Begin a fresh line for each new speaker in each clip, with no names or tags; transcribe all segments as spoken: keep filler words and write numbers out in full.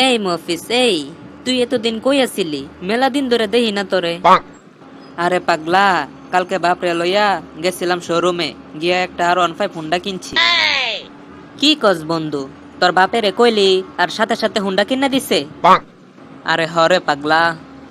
এই মফিস, এই তুই এতদিন কই আছিলি? মেলা দিন ধরে দেখি না তোরে। আরে পাগলা, কালকে বাপরে লইয়া গেছিলাম শোরুমে, গিয়া একটা আর ওয়ান ফাইভ হুন্ডা কিনছি। কি কস বন্ধু, তোর বাপেরে কইলি আর সাথে সাথে হুন্ডা কিনা দিছে? আরে হরে পাগলা।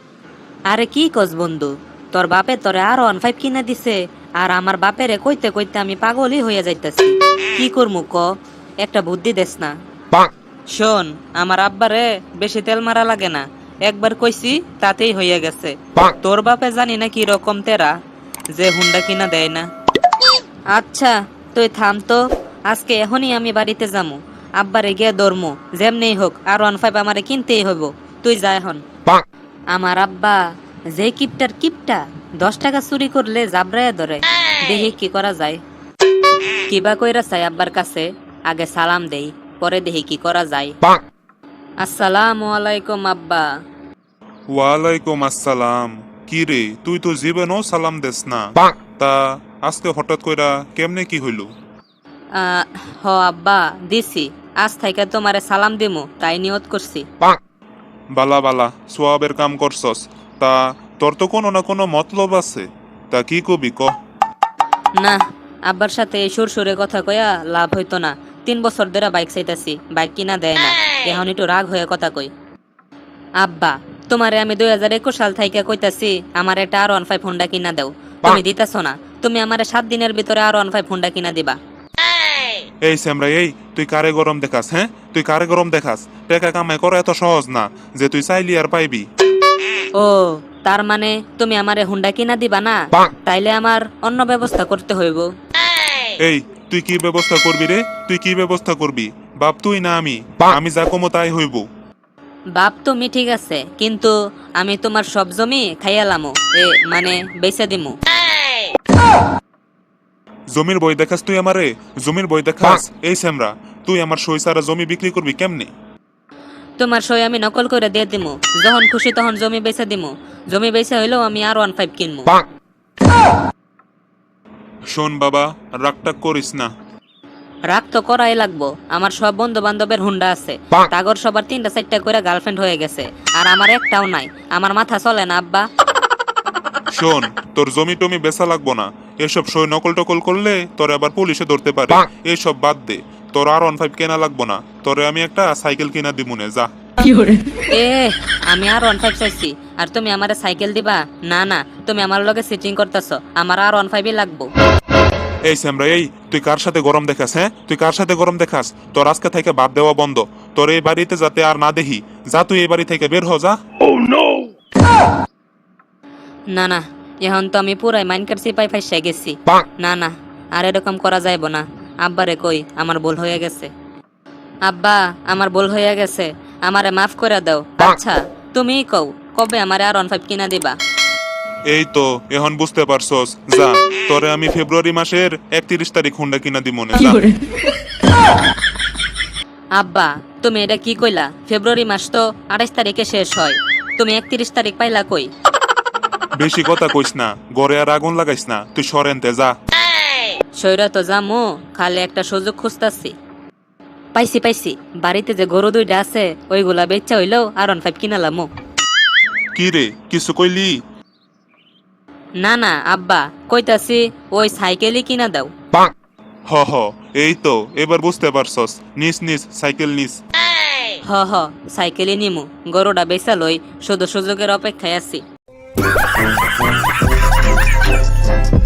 আরে কি কস বন্ধু, তোর বাপে তোরে আর ওয়ান ফাইভ কিনা দিছে, আর আমার বাপেরে কইতে কইতে আমি পাগলই হইয়া যাইতাছি। কি করমু ক, একটা বুদ্ধি দেস না? শোন, আমার আব্বারে বেশি তেল মারা লাগে না, একবার কইছি তাতেই হইয়া গেছে। তোর বাপে জানি না কি রকম তেরা, যে হুন্ডা কিনা দেয় না। আচ্ছা তুই থাম তো, আজকে এখনই আমি বাড়িতে যামু, আব্বারে গিয়ে ধরমু, যেমনি হোক আর ওয়ান ফাইভ আমারে কিনতেই হইব। তুই যা এখন। আমার আব্বা যে কিপটার কিপটা, দশ টাকা চুরি করলে জাবরায়া ধরে। দেখি কি করা যায়। কিবা কইরা চাই আব্বার কাছে, আগে সালাম দেই, পরে দেখি কি করা যায়। আসসালামু আলাইকুম আব্বা।
ওয়ালাইকুম আসসালাম। কি রে, তুই তো জীবনও সালাম দেস না, তা আজকে হঠাৎ কইরা কেমনে কি হইল?
আহ, হ আব্বা দিছি, আজ থেকে তোমারে সালাম দিমু তাই নিয়ত করছি।
বালা বালা, সোয়াবের কাম করছস। তা তোর তো কোনো না কোনো মতলব আছে, তা কি কবি ক?
না, আব্বার সাথে এই সুর সুরে কথা কয়া লাভ হইতো না। তিন বছর ধরে বাইক চাইতাছি, বাইক কিনা দেয় না, এখন একটু রাগ হয়ে কথা কই। আব্বা, তোমারে আমি দুই হাজার একুশ সাল থাইকা কইতাছি আমার একটা আর ওয়ান ফাইভ হুন্ডা কিনা দাও, তুমি দিতাছ না। তুমি আমারে সাত দিনের ভিতরে আর ওয়ান ফাইভ হুন্ডা কিনা দিবা।
এই স্যামরা, এই তুই কারে গরম দেখাস? হ্যাঁ, তুই কারে গরম দেখাস? টাকা কামাই করা এত সহজ না যে তুই চাইলি আর পাইবি।
ও, তার মানে তুমি আমারে হুন্ডা কিনা দিবা না? তাইলে আমার অন্য ব্যবস্থা করতে হইব।
এই তুই কি ব্যবস্থা করবি রে? তুই কি ব্যবস্থা করবি? বাপ তুই না আমি? আমি যা কমো তাই হইব।
বাপ তুমি ঠিক আছে, কিন্তু আমি তোমার সব জমি খাইয়ালামো, এ মানে বেচা দিমু।
জমির বই দেখাস তুই আমারে? জমির বই দেখাস? এই স্যামরা, তুই আমার সই সারা জমি বিক্রি করবি কেমনে?
তোমার সই আমি নকল করে দিয়ে দিমু, যখন খুশি তখন জমি বেচা দিমু। জমি বেচা হইলেও আমি আর ওয়ান ফাইভ কিনবো।
শোন বাবা, রাগটাগ করিস না।
রাগ তো করাই লাগবো, আমার সব বন্ধু বান্ধবের হুন্ডা আছে, তাগর সবার তিনটা চারটা করে গার্লফ্রেন্ড হয়ে গেছে, আর আমার একটাও নাই। আমার মাথা চলে না আব্বা।
শোন, তোর জমি টমি বেচা লাগবো না। এসব সই নকল টকল করলে তোর আবার পুলিশে ধরতে পারে। এইসব বাদ দে, তোর আর ওয়ান ফাইভ কেনা লাগবো না, তোরে আমি একটা সাইকেল কিনা দিমুনে, যা।
এ, আমি আর ওয়ান ফাইভ চাইছি আর তুমি আমারে সাইকেল দিবা? না না, তুমি আমার লগে সিটিং করতেছ, আমার আর ওয়ান ফাইভই লাগবো।
এই স্যামরা, এই তুই কার সাথে গরম দেখাস? হ্যাঁ, তুই কার সাথে গরম দেখাস? তোর আজকে থেকে বাদ দেওয়া বন্ধ। তোর এই বাড়িতে যাতে আর না দেখি, যা তুই এই বাড়ি থেকে বের হ, যা।
না না, এখন তো আমি পুরাই মাইনকার সিপাই ফাইসা গেছি। না না, আর এরকম করা যাইব না। আব্বারে কই আমার ভুল হয়ে গেছে। আব্বা, আমার ভুল হয়ে গেছে, আমারে মাফ করে দাও। আচ্ছা তুমিই কও, কবে আমারে আর ওয়ান ফাইভ কিনা দিবা?
এই তো এখন বুঝতে পারছস, যা। তোরে আমি ফেব্রুয়ারি মাসের একত্রিশ তারিখ হুন্ডা কিনা দিমনে, যা।
আব্বা, তুমি এটা কি কইলা? ফেব্রুয়ারি মাস তো আঠাইশ তারিখে শেষ হয়, তুমি একত্রিশ তারিখ পাইলা কই?
বেশি কথা কইস না, গড়ে আর আগুন লাগাইস না, তুই সরেনতে যা।
সৈরা তো যামু, খালি একটা সুযোগ খুঁজতাছি। পাইছি পাইছি, বাড়িতে যে গরু দুইটা আছে ওইগুলা বেচা হইলেও আর ওয়ান ফাইভ কিনালামো।
কি রে, কিছু কইলি?
না না আব্বা, কইতাছি ওই সাইকেলই কিনা দাও।
হ হ, এই তো এবার বুঝতে পারছস, নিস নিস সাইকেল নিস।
হ হ, সাইকেলই নিমু, গরুটা বেচা লই, শুধু সুযোগের অপেক্ষায় আছি।